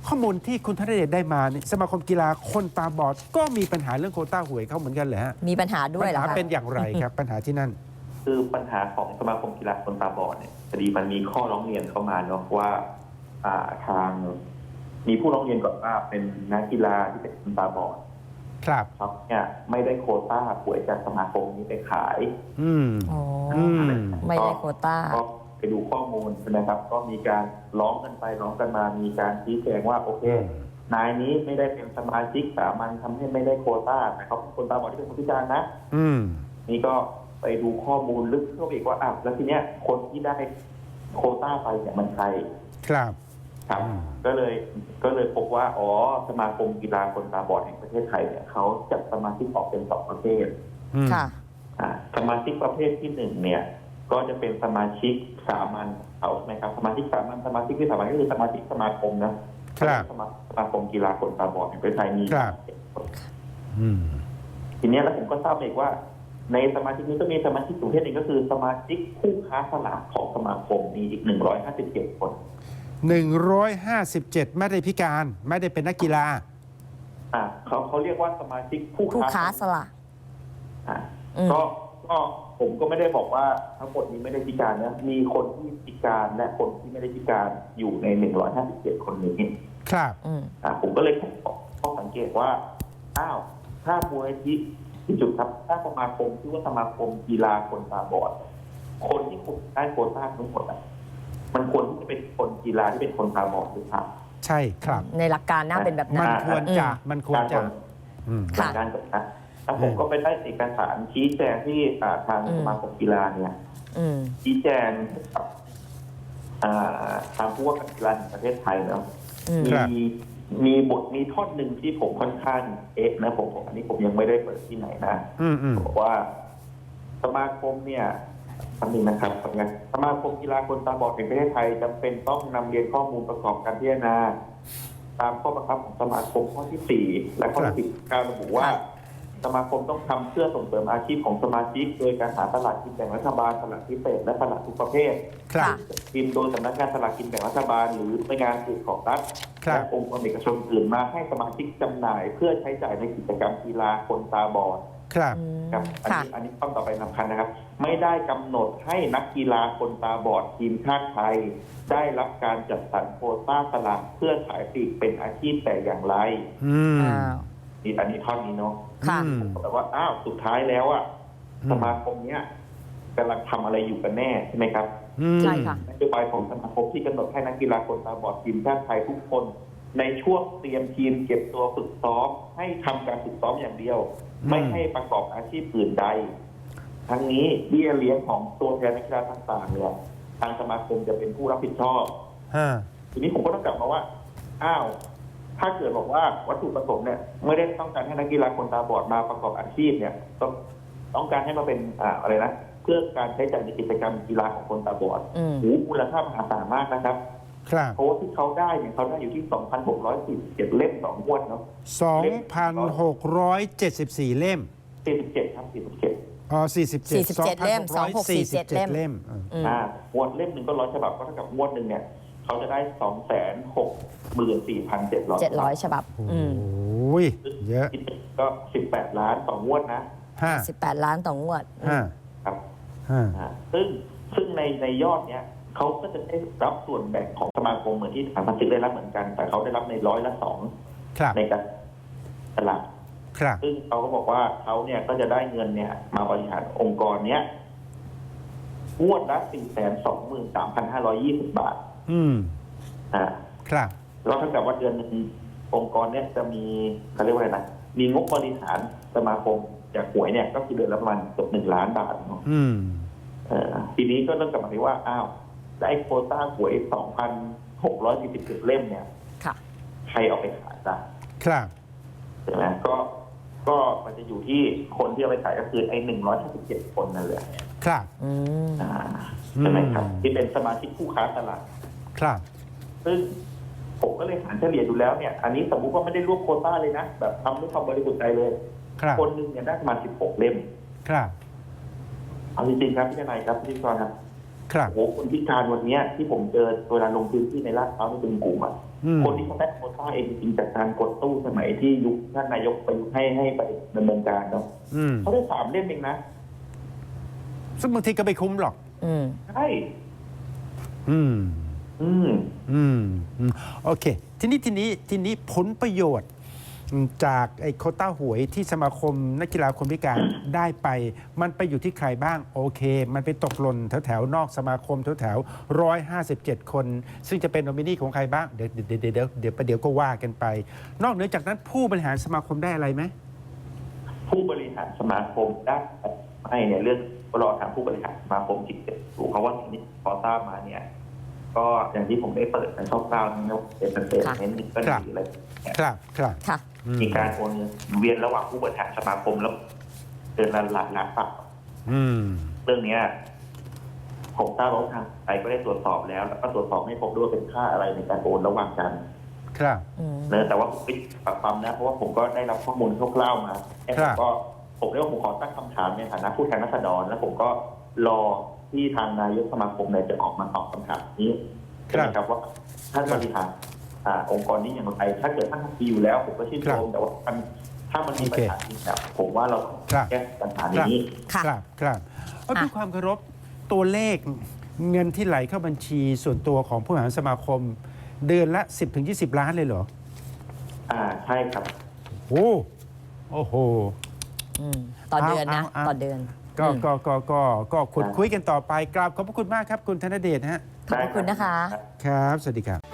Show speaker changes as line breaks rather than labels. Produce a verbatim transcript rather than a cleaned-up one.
ข้อมูลที่คุณธนเดชได้มาเนี่ยสมาคมกีฬาคนตาบอดก็มีปัญหาเรื่องโควต้าหวยเขาเหมือนกันเหรอฮะ
มีปัญหาด้วยเหรอ
ปัญ
คะ
หาเป็นอย่างไรครับ ปัญหาที่นั่น
คือปัญหาของสมาคมกีฬาคนตาบอดเนี่ยพอดีมันมีข้อร้องเรียนเข้ามาเนาะว่าอ่าทางมีผู้ร้องเรียนก่อนว่าเป็นนักกีฬาที่เป็นคนตาบอด
ครับ
ครับเนี่ยไม่ได้โควต้าหวยจากสมาคมนี้ไปขาย
อืม
อ๋อ
อืม
ไม่ได้โควต้า
ก็ไปดูข้อมูลนะครับ ก็มีการร้องกันไปร้องกันมามีการชี้แจงว่าโอเคนายนี้ไม่ได้เป็นสมาชิกสามัญทำให้ไม่ได้โควต้าแต่เขาเป็นคนตาบอดที่เป็นคนพิการนะ
อืม
นี่ก็ไปดูข้อมูลลึกเข้าไปอีกว่าอ่ะแล้วทีเนี้ยคนที่ได้โควต้าไปเนี่ยมันใคร
ครับ
ครับก็เลยก็เลยพบว่าอ๋อสมาคมกีฬาคนตาบอดแห่งประเทศไทยเนี่ยเขาจัดสมาชิกออกเป็นสองประเภท
ค่ะ
อ่าสมาชิกประเภทที่หนึ่งเนี่ยก็จะเป็นสมาชิกสามัญเอาใช่ไหมครับสมาชิกสามัญสมาชิกที่สามัญก็คือสมาชิกสมาคมนะครับสมาสมาคมกีฬาคนตาบอดแห่งประเทศไทยมี
อืม
ทีนี้แล้วผมก็ทราบอีกว่าในสมาชิกนี้ก็มีสมาชิกประเภทหนึ่งก็คือสมาชิกผู้ค้าสลากของสมาคมมีอีกหนึ่งร้อยห้าสิบเจ็ดคน
หนึ่งร้อยห้าสิบเจ็ดไม่ได้พิการไม่ได้เป็นนักกีฬา
อ่าเขาเขาเรียกว่าสมาชิกผู้
ผู้ค้าสลาก
อ่าก็ก็ผมก็ไม่ได้บอกว่าทั้งหมดนี้ไม่ได้พิการนะมีคนที่พิการและคนที่ไม่ได้พิการอยู่ในหนึ่งร้อยห้าสิบเจ็ดคนนี้
ครับ
อ่าผมก็เลยข้อสังเกตว่าอ้าวถ้ามูลนิธิที่จุดครับถ้าสมาคมชื่อว่าสมาคมกีฬาคนตาบอดคนที่คุณได้โควต้าทั้งหมดอ่ะมันควรที่จะเป็นคนกีฬาที่เป็นคนตาบอดหรือเปล่า
ใช่ครับ
ในหลักการน่าเป็นแบบนั้น
มันควรจะมันควรจะ
หลักการแบบนั้นแล้วผมก็ไปได้เอกสารชี้แจงที่ทางสมาคมกีฬาเนี่ยชี้แจงกับทางผู้ว่าการกีฬาแห่งประเทศไทยเนาะมีมีบทมีท่อนหนึ่งที่ผมค่อนข้างเอ๊ะนะผมอันนี้ผมยังไม่ได้เปิดที่ไหนนะบอกว่าสมาคมเนี่ยคำหนึ่งนะครับสมาคมกีฬาคนตาบอดแห่งประเทศไทยจำเป็นต้องนำเรียนข้อมูลประกอบการพิจารณาตามข้อบังคับของสมาคมข้อที่สี่และข้อที่สิบการระบุว่าสมาคมต้องทำเพื่อส่งเสริมอาชีพของสมาชิกโดยการหาตลาดกินแบ่งรัฐบาลตลาดพิเศษและตลาดทุกประเภทพิมพ์โดยสำนักงานตลาดกินแบ่งรัฐบาลหรือหน่วยงานอื่นของรัฐและองค์กรเอกชนอื่นมาให้สมาชิกจำหน่ายเพื่อใช้จ่ายในกิจกรรมกีฬาคนตาบอด
ครับ
ครับอันนี้อันนี้ต้องต่อไปสำคัญนะครับไม่ได้กำหนดให้นักกีฬาคนตาบอดทีมชาติไทยได้รับการจัดสรรโควต้าสลากเพื่อขายปลีกเป็นอาชีพแต่อย่างไรนี่อันนี้ท่อนนี้เนาะแต่ว่าอ้าวสุดท้ายแล้วอ่ะสมาคมเนี้ยกำลังทำอะไรอยู่กันแน่ใช่ไหมครับ
ใช่ค่ะ
นโยบายของสมาคมที่กำหนดให้นักกีฬาคนตาบอดทีมชาติไทยทุกคนในช่วงเตรียมทีมเก็บตัวฝึกซ้อมให้ทำการฝึกซ้อมอย่างเดียวไม่ให้ประกอบอาชีพอื่นใดทั้งนี้เบี้ยเลี้ยงของตัวแทนนักกีฬาต่างๆเนี่ยทางสมาคมจะเป็นผู้รับผิดชอบทีนี้ผมก็ต้องกลับมาว่าอ้าวถ้าเกิดบอกว่าวัตถุประสงค์เนี่ยไม่ได้ต้องการให้นักกีฬาคนตาบอดมาประกอบอาชีพเนี่ยต้องต้องการให้มาเป็นอ่าอะไรนะเพื่อการใช้จ่ายในกิจกรรมกีฬาของคนตาบอดหูมูลค่ามหาศาลมากนะครับเพราะว่าที่เขาได้เนี่ยเขาได้อยู่ที่ สองพันหกร้อยสี่สิบเจ็ด เล่มต่องวดเนาะ
สองพันหกร้อยเจ็ดสิบสี่ เล่ม
สี่สิบเจ็ดครับสี่สิบเจ็ด
อ๋อสี่สิบเจ็ด
สี่สิบเจ็ดเล่มสองพันหกร้อยสี่สิบเจ็ดเล่ม
อ่างวดเล่มหนึ่งก็ร้อยฉบับก็เท่ากับงวดหนึ่งเนี่ยเขาจะได้ สองแสนหกหมื่นสี่พันเจ็ดร้อย
เจ็ดร้อยฉบับ
โอ้ยเยอะ
ก็สิบแปดล้านต่องวดนะ
สิบแปดล้านต่องวด
ครับซึ่งซึ่งในในยอดเนี้ยเขาก็จะได้รับส่วนแบ่งของสมาคมเหมือนที่สมาชิกได้รับเหมือนกันแต่เขาได้รับในร้อยละสองในการตลาดซึ่งเขาก็บอกว่าเขาเนี่ยก็จะได้เงินเนี่ยมาบริหารองค์กรเนี้ยงวดละสี่แสนสองหมื่นสามพันห้าร้อยยี่สิบบาท
อืม
อ่า
ครับ
แล้วเท่ากับว่าเดือนนึงองค์กรเนี้ยจะมีเขาเรียกว่าอะไรนะมีงบบริหารสมาคมจากหวยเนี่ยก็คือเดือนละประมาณเกือบหนึ่งล้านบาทเนาะ
อืม
เอ่อทีนี้ก็ต้องกลับมาที่ว่าอ้าวได้โควต้าหวย สองพันหกร้อยสี่สิบเจ็ด เล่มเนี่ยใครเอาไปขายได้
ครับ
ใช่ไหมก็ก็มันจะอยู่ที่คนที่เอาไปขายก็คือไอ้หนึ่งร้อยห้าสิบเจ็ดคนนั่นแหละ
ครับ
อ่าใช่ไหมครับที่เป็นสมาชิกผู้ค้าตลาด
ครับ
ซึ่งผมก็เลยหารเฉลี่ยดูแล้วเนี่ยอันนี้สมมุติว่าไม่ได้รวบโควต้าเลยนะแบบทำด้วยความบริสุทธิ์ใจเลยคนหนึ่งเนี่ยได้ประมาณสิบหกเล่ม
ครับ
เอาจริงๆครับพี่นายครับพี่กรครับ
ครับ
โอ้คนพิการวันนี้ที่ผมเจอเวลาลงพื้นที่ในลาดพร้าวในบึงกลุ่มอ่ะ
อืม
คนที่เขาได้โควต้าเองจริงๆจากการกดตู้สมัยที่ยุคท่านนายกไปให้ให้ไปดำเนินการเนาะ
อืม
เขาได้สามเล่มเองนะ
ซึ่งบางทีก็ไม่คุ้มหรอก
อืม
ใช่
อืม
อืม
อืมอืมโอเค ทีนี้ทีนี้ทีนี้ผลประโยชน์จากไอ้โควต้าหวยที่สมาคมนักกีฬาคนพิการได้ไป มันไปอยู่ที่ใครบ้าง โอเค มันไปตกหล่นแถวแถวๆนอกสมาคมแถวแถวร้อยห้าสิบเจ็ดคน ซึ่งจะเป็นโนมินีของใครบ้าง เดี๋ยวเดี๋ยวเดี๋ยวเดี๋ยวเดี๋ยวประเดี๋ยวก็ว่ากันไป นอกเหนือจากนั้นผู้บริหารสมาคมได้อะไรไหม
ผู้บริหารสมาคมได้ให้เนี่ยเรื่องรอทางผู้บริหารสมาคมจิตเจ็บถูกเขาว่าสิ่งที่พอทราบมาเนี่ย ก็อย่างที่ผมได้เปิดในช่องกลางเนี่ยเป็นเป็นเป็นเน้นก็ดีอะไรเนี่ย
ครับครับ
ค่ะ
อืม
มีการโอนเงินหมุนเวียนระหว่างผู้บริหารสมาคมแล้วเดือนละหลักล้านบาท
อืม
เรื่องเนี้ยผมทราบว่าทางไทยก็ได้ตรวจสอบแล้ว แล้วก็ตรวจสอบไม่พบด้วยว่าเป็นค่าอะไรในการโอนระหว่างกัน
ครับ
อืม
เนอะแต่ว่าผมไม่ปักปั๊มนะเพราะว่าผมก็ได้รับข้อมูลคร่าวๆมาแต่ผมก็ผมเรียกว่าผมขอตั้งคำถามในฐานะผู้แทนราษฎรแล้วผมก็รอที่ทางนายกสมาคมเนี่ยจะออกมาตอบคำถามนี้ใช่ไหมครับว่าท่านบริหารอ่าองค์กรนี้อย่างไรถ้าเกิดท่านทำดีอยู่แล้ว ผมก็ชื่นชมแต่ว่ามันถ้ามันมีปัญหาจริงเนี่ยผมว่าเราต้องแก้ปัญหานี้
ค่ะ
ครับครับเอาด้วย
อ่ะ
ความเคารพตัวเลขเงินที่ไหลเข้าบัญชีส่วนตัวของผู้บริหารสมาคม เดือนละ สิบถึงยี่สิบ ล้านเลยเหรอ
อ่าใช่ครับ
โอ้โอ้โห
อืมต่อเดือนนะ
เอาเอา
ต่อเดือน
ก็
อืม
ก็ก็ก็ก็ขุดคุยกันต่อไปกราบขอบพระคุณมากครับ คุณธนเดชฮะ
ขอบพระคุณนะคะ
ครับ สวัสดีครับ